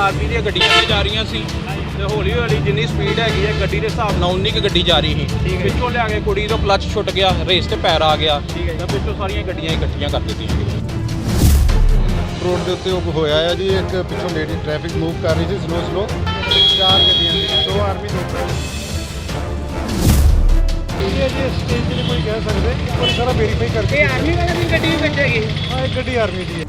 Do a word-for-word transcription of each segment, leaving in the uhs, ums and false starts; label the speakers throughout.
Speaker 1: Army ਦੀਆਂ ਗੱਡੀਆਂ ਤੇ ਜਾ ਰਹੀਆਂ ਸੀ ਤੇ ਹੌਲੀ ਹੌਲੀ ਜਿੰਨੀ ਸਪੀਡ ਹੈਗੀ ਹੈ ਗੱਡੀ ਦੇ ਹਿਸਾਬ ਨਾਲ ਉਨੀ ਕੁ ਗੱਡੀ ਜਾ ਰਹੀ ਸੀ। ਪਿੱਛੋਂ ਲਿਆ ਕੇ ਕੁੜੀ ਤੋਂ ਕਲੱਚ ਛੁੱਟ ਗਿਆ, ਰੇਸ ਤੇ ਪੈਰ ਆ ਗਿਆ ਤੇ ਪਿੱਛੋਂ ਸਾਰੀਆਂ ਗੱਡੀਆਂ ਇਕੱਠੀਆਂ ਕਰ ਦਿੱਤੀਆਂ।
Speaker 2: ਰੋਡ ਦੇ ਉੱਤੇ ਉਹ ਹੋਇਆ ਆ ਜੀ, ਇੱਕ ਪਿੱਛੋਂ ਲੇਡੀ ਟ੍ਰੈਫਿਕ ਮੂਵ ਕਰ ਰਹੀ ਸੀ ਸਲੋ ਸਲੋ, ਚਾਰ ਗੱਡੀਆਂ ਸੀ, ਦੋ ਆਰਮੀ ਦੋ
Speaker 3: ਇਹ ਜੀ ਸਟੇਜ ਤੇ ਕੋਈ ਕਹਿ ਸਕਦੇ, ਇੱਕ ਵਾਰੀ ਸਾਰਾ ਵੈਰੀਫਾਈ ਕਰਕੇ।
Speaker 4: ਇਹ ਆਰਮੀ ਵਾਲੇ ਦੀ ਗੱਡੀ ਵਿੱਚ ਹੈਗੀ?
Speaker 3: ਹਾਂ, ਇਹ ਗੱਡੀ ਆਰਮੀ ਦੀ ਹੈ।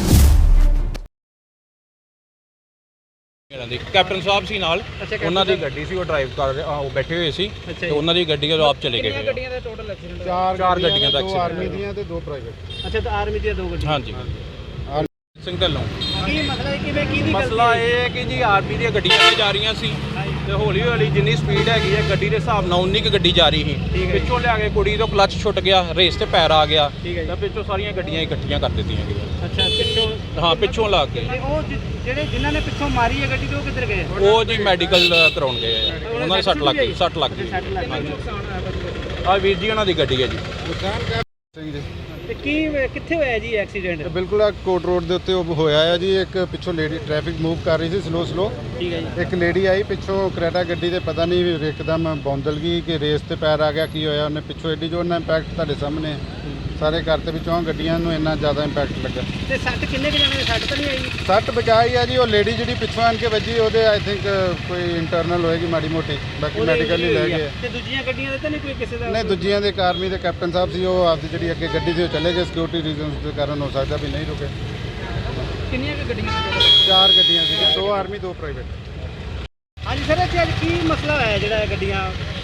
Speaker 1: ਕੈਪਟਨ ਸਾਹਿਬ ਸੀ ਨਾਲ, ਉਹਨਾਂ ਦੀ ਗੱਡੀ ਸੀ, ਉਹ ਡਰਾਈਵ ਕਰ ਰਹੇ, ਉਹ ਬੈਠੇ ਹੋਏ ਸੀ ਤੇ ਉਹਨਾਂ ਦੀ ਗੱਡੀ ਜਦੋਂ ਆਪ ਚਲੇ ਗਏ।
Speaker 4: ਕਿੰਨੀਆਂ ਗੱਡੀਆਂ ਦਾ ਟੋਟਲ ਐਕਸੀਡੈਂਟ?
Speaker 3: ਚਾਰ
Speaker 1: ਚਾਰ ਗੱਡੀਆਂ ਦਾ
Speaker 3: ਦੋ
Speaker 1: accident
Speaker 3: ਆਰਮੀ ਦੀਆਂ ਤੇ ਦੋ ਪ੍ਰਾਈਵੇਟ।
Speaker 4: ਅੱਛਾ, ਤਾਂ ਆਰਮੀ ਦੀਆਂ ਦੋ ਗੱਡੀਆਂ।
Speaker 1: ਹਾਂਜੀ ਸਿੰਘ ਢੱਲੋਂ।
Speaker 4: ਕੀ ਮਸਲਾ ਹੈ, ਕਿਵੇਂ ਕੀ ਦੀ
Speaker 1: ਮਸਲਾ ਇਹ ਹੈ ਕਿ ਜੀ ਆਰਮੀ ਦੀਆਂ ਗੱਡੀਆਂ ਤੇ ਜਾ ਰਹੀਆਂ ਸੀ ਤੇ ਹੌਲੀ ਹੌਲੀ ਜਿੰਨੀ ਸਪੀਡ ਹੈਗੀ ਹੈ ਗੱਡੀ ਦੇ ਹਿਸਾਬ ਨਾਲ ਉਨੀ ਕੁ ਗੱਡੀ ਜਾ ਰਹੀ ਸੀ। ਪਿੱਛੋਂ ਲਿਆ ਕੇ ਕੁੜੀ ਤੋਂ ਕਲੱਚ ਛੁੱਟ ਗਿਆ, ਰੇਸ ਤੇ ਪੈਰ ਆ ਗਿਆ ਤੇ ਪਿੱਛੋਂ ਸਾਰੀਆਂ ਗੱਡੀਆਂ ਇਕੱਠੀਆਂ ਕਰ ਦਿੱਤੀਆਂ ਗਈਆਂ।
Speaker 4: ਅੱਛਾ, ਪਿੱਛੋਂ?
Speaker 1: ਹਾਂ, ਪਿੱਛੋਂ ਲਾ ਕੇ।
Speaker 4: ਤੇ ਉਹ ਜਿ- ਜਿਹੜੇ ਜਿਨ੍ਹਾਂ ਨੇ ਪਿੱਛੋਂ ਮਾਰੀ ਹੈ ਗੱਡੀ, ਤੇ ਉਹ ਕਿੱਧਰ ਗਏ?
Speaker 1: ਉਹ ਜੀ ਮੈਡੀਕਲ ਕਰਾਉਣ ਗਏ ਆ, ਉਹਨਾਂ ਦੇ ਸੱਟ ਲੱਗ ਗਈ, ਸੱਟ ਲੱਗ ਗਈ।
Speaker 4: ਸੱਟ ਲੱਗ ਗਈ।
Speaker 1: ਆ ਵੀਰ ਜੀ ਉਹਨਾਂ ਦੀ ਗੱਡੀ ਹੈ ਜੀ।
Speaker 2: ਸਿੰਘ ਜੀ।
Speaker 4: ਤੇ ਕੀ ਕਿੱਥੇ ਹੋਇਆ ਜੀ ਐਕਸੀਡੈਂਟ?
Speaker 2: ਤੇ ਬਿਲਕੁਲ ਆ ਕੋਟ ਰੋਡ ਦੇ ਉੱਤੇ ਉਹ ਹੋਇਆ ਆ ਜੀ, ਇੱਕ ਪਿੱਛੋਂ ਲੇਡੀ ਟ੍ਰੈਫਿਕ ਮੂਵ ਕਰ ਰਹੀ ਸੀ ਸਲੋ ਸਲੋ,
Speaker 4: ਠੀਕ ਹੈ ਜੀ।
Speaker 2: ਇੱਕ ਲੇਡੀ ਆਈ ਪਿੱਛੋਂ ਕਰੇਟਾ ਗੱਡੀ ਤੇ, ਪਤਾ ਨਹੀਂ ਇੱਕਦਮ ਬੌਂਦਲ ਗਈ ਕਿ ਰੇਸ ਤੇ ਪੈਰ ਆ ਗਿਆ, ਕੀ ਹੋਇਆ, ਉਹਨੇ ਪਿੱਛੋਂ ਐਡੀ ਜੋਰ ਨਾਲ ਇੰਪੈਕਟ ਤੁਹਾਡੇ ਸਾਹਮਣੇ ਸਾਰੇ ਘਰ ਤੇ ਵਿੱਚੋਂ ਗੱਡੀਆਂ ਨੂੰ ਇੰਨਾ ਜ਼ਿਆਦਾ ਇੰਪੈਕਟ ਲੱਗਾ।
Speaker 4: ਤੇ ਸੱਟ ਕਿੰਨੇ ਕੁ ਜਾਣੇ? ਸੱਟ ਤਾਂ ਨਹੀਂ ਆਈ?
Speaker 2: ਸੱਟ ਬਚਾਈ ਆ ਜੀ, ਉਹ ਲੇਡੀ ਜਿਹੜੀ ਪਿੱਛੋਂ ਆਣ ਕੇ ਵੱਜੀ, ਉਹਦੇ ਆਈ ਥਿੰਕ ਕੋਈ ਇੰਟਰਨਲ ਹੋਏਗੀ ਮਾੜੀ ਮੋਟੀ, ਬਾਕੀ ਮੈਡੀਕਲ ਹੀ ਲੈ ਗਏ।
Speaker 4: ਤੇ ਦੂਜੀਆਂ ਗੱਡੀਆਂ ਦੇ ਤਾਂ ਨਹੀਂ ਕੋਈ ਕਿਸੇ ਦਾ?
Speaker 2: ਨਹੀਂ, ਦੂਜੀਆਂ ਦੇ ਆਰਮੀ ਦੇ ਕੈਪਟਨ ਸਾਹਿਬ ਸੀ, ਉਹ ਆਪਦੀ ਜਿਹੜੀ ਅੱਗੇ ਗੱਡੀ ਸੀ ਉਹ ਚਲੇ ਗਏ, ਸਿਕਿਉਰਿਟੀ ਰੀਜ਼ਨਸ ਦੇ ਕਾਰਨ ਹੋ ਸਕਦਾ ਵੀ ਨਹੀਂ ਰੁਕੇ।
Speaker 4: ਕਿੰਨੀਆਂ ਕੁ ਗੱਡੀਆਂ?
Speaker 2: ਚਾਰ ਗੱਡੀਆਂ ਸੀਗੀਆਂ, ਦੋ ਆਰਮੀ ਦੋ ਪ੍ਰਾਈਵੇਟ।
Speaker 4: ਹਾਂਜੀ ਸਰ, ਇੱਥੇ ਅੱਜ ਕੀ ਮਸਲਾ ਹੋਇਆ ਜਿਹੜਾ ਇਹ ਗੱਡੀਆਂ?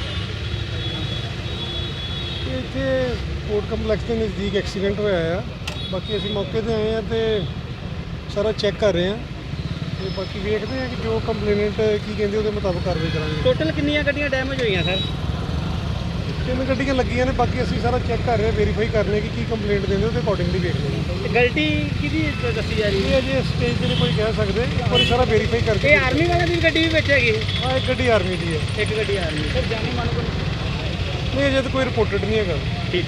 Speaker 3: ਇੱਥੇ ਕੋਰਟ ਕੰਪਲੈਕਸ ਦੇ ਨਜ਼ਦੀਕ ਐਕਸੀਡੈਂਟ ਹੋਇਆ ਆ। ਬਾਕੀ ਅਸੀਂ ਮੌਕੇ ਤੇ ਆਏ ਆ ਤੇ ਸਾਰਾ ਚੈੱਕ ਕਰ ਰਹੇ ਆ ਤੇ ਬਾਕੀ ਵੇਖਦੇ ਆ ਕਿ ਜੋ ਕੰਪਲੇਨੈਂਟ ਕੀ ਕਹਿੰਦੇ ਉਹਦੇ ਮੁਤਾਬਕ ਕਾਰਵਾਈ ਕਰਾਂਗੇ।
Speaker 4: ਟੋਟਲ ਕਿੰਨੀਆਂ ਗੱਡੀਆਂ ਡੈਮੇਜ ਹੋਈਆਂ ਸਰ?
Speaker 3: ਤਿੰਨ ਗੱਡੀਆਂ ਲੱਗੀਆਂ ਨੇ, ਬਾਕੀ ਅਸੀਂ ਸਾਰਾ ਚੈੱਕ ਕਰ ਰਹੇ ਆ, ਵੈਰੀਫਾਈ ਕਰ ਰਹੇ ਕਿ ਕੀ ਕੰਪਲੇਂਟ ਦਿੰਦੇ ਉਹਦੇ ਅਕੋਰਡਿੰਗਲੀ ਵੇਖਦੇ ਆ।
Speaker 4: ਤੇ ਗਲਤੀ ਕਿਹਦੀ ਦੱਸੀ ਜਾ ਰਹੀ
Speaker 3: ਇਹ
Speaker 4: ਹੈ?
Speaker 3: ਅਜੇ ਸਟੇਜ ਤੇ ਕੋਈ ਕਹਿ ਸਕਦੇ, ਇੱਕ ਵਾਰੀ ਸਾਰਾ ਵੈਰੀਫਾਈ ਕਰਕੇ।
Speaker 4: ਇਹ ਆਰਮੀ ਵਾਲੇ ਦੀ ਗੱਡੀ ਵਿੱਚ ਹੈਗੀ?
Speaker 3: ਹਾਂ, ਇੱਕ ਗੱਡੀ ਆਰਮੀ ਦੀ ਹੈ।
Speaker 4: ਇੱਕ ਗੱਡੀ ਆਰਮੀ। ਸਰ ਜਾਨੀ ਮਾਨੋ
Speaker 3: ਨਹੀਂ, ਅਜੇ ਤਾਂ ਕੋਈ ਰਿਪੋਰਟਡ ਨਹੀਂ ਹੈਗਾ।